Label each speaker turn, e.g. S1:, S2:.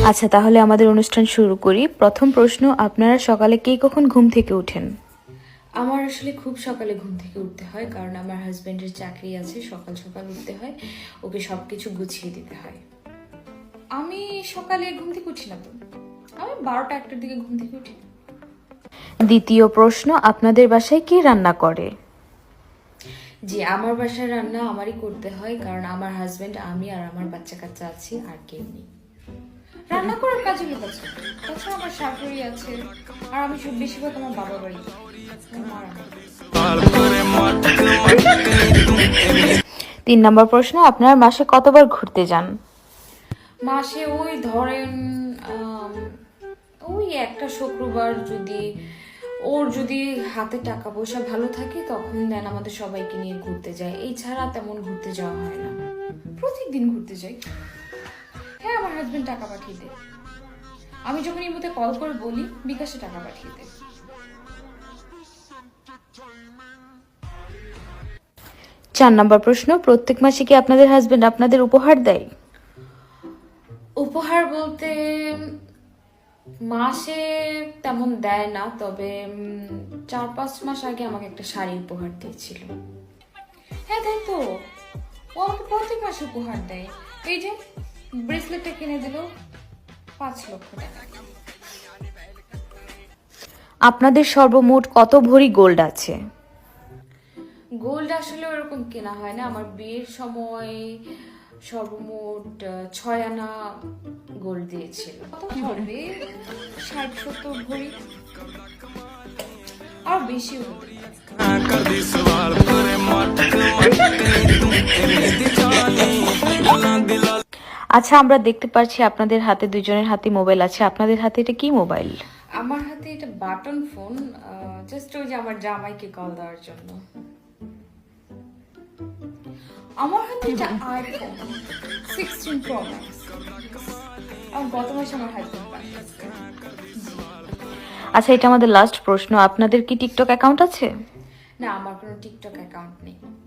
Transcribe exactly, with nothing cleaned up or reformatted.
S1: আচ্ছা, তাহলে আমাদের অনুষ্ঠান শুরু করি। প্রথম প্রশ্ন, আপনারা সকালে কে কখন ঘুম থেকে ওঠেন?
S2: আমার আসলে খুব সকালে ঘুম থেকে উঠতে হয়, কারণ আমার হাজব্যান্ডের চাকরি আছে, সকাল সকাল উঠতে হয়, ওকে সব কিছু গুছিয়ে দিতে হয়। আমি সকালে ঘুম থেকে উঠি না তো, আমি বারোটা একটার দিকে ঘুম থেকে উঠি।
S1: দ্বিতীয় প্রশ্ন, আপনাদের বাসায় কে রান্না করে?
S2: জি, আমার বাসায় রান্না আমারই করতে হয়, কারণ আমার হাজব্যান্ড, আমি আর আমার বাচ্চা কাচ্চা আছি, আর কেউ নেই। রান্না করার কাজে লোক আছে, তাছাড়া আমার শাশুড়ি আছে, আর আমি সব বেশিরভাগ আমার বাবার বাড়িতে। আমার
S1: তিন নম্বর প্রশ্ন, আপনারা মাসে কতবার ঘুরতে যান?
S2: মাসে ওই ধরেন আম, ওই একটা শুক্রবার, যদি ওর যদি হাতে টাকা পয়সা ভালো থাকে তখন দেন আমাদের সবাইকে নিয়ে ঘুরতে যায়। এই ছাড়া তেমন ঘুরতে যাওয়া হয় না। প্রত্যেকদিন ঘুরতে যাই। হ্যাঁ, আমার হাজবেন্ড টাকা পাঠিয়ে দেয়। আমি যখন এই মধ্যে কল করে বলি বিকাশে টাকা পাঠিয়ে দেয়।
S1: চার নম্বর প্রশ্ন, প্রত্যেক মাসে কি আপনাদের হাজবেন্ড আপনাদের উপহার দেয়?
S2: উপহার বলতে মাসে তেমন দেয় না, তবে উম, চার পাঁচ মাস আগে আমাকে একটা শাড়ি উপহার দিয়েছিল। হ্যাঁ, তাই তো, ও আমাকে প্রত্যেক মাসে উপহার দেয়। এই যে ব্রেসলেটটা কিনে দিল পাঁচ লক্ষ টাকা।
S1: আপনাদের সর্বমোট কত ভরি গোল্ড আছে?
S2: গোল্ড আসলে ওরকম কেনা হয় না। আমার বিয়ের সময় সর্বমোট আহ, ছয় আনা গোল্ড দিয়েছিল। কত হবে? ষাট সত্তর ভরি, আর বেশিও হতে পারে।
S1: আচ্ছা, আমরা দেখতে পাচ্ছি আপনাদের হাতে, দুজনের হাতে মোবাইল আছে। আপনাদের হাতে এটা কি মোবাইল?
S2: আমার হাতে এটা বাটন ফোন, জাস্ট ওই যে আমার জামাইকে কল দেওয়ার জন্য। আমার হাতে এটা আইফোন সিক্সটিন প্রো ম্যাক্স। আমার গত মাসে আমার হাজবেন্ড পাঠিয়েছে।
S1: আচ্ছা, এটা আমাদের লাস্ট প্রশ্ন, আপনাদের কি টিকটক অ্যাকাউন্ট আছে?
S2: না, আমার কোনো টিকটক অ্যাকাউন্ট নেই।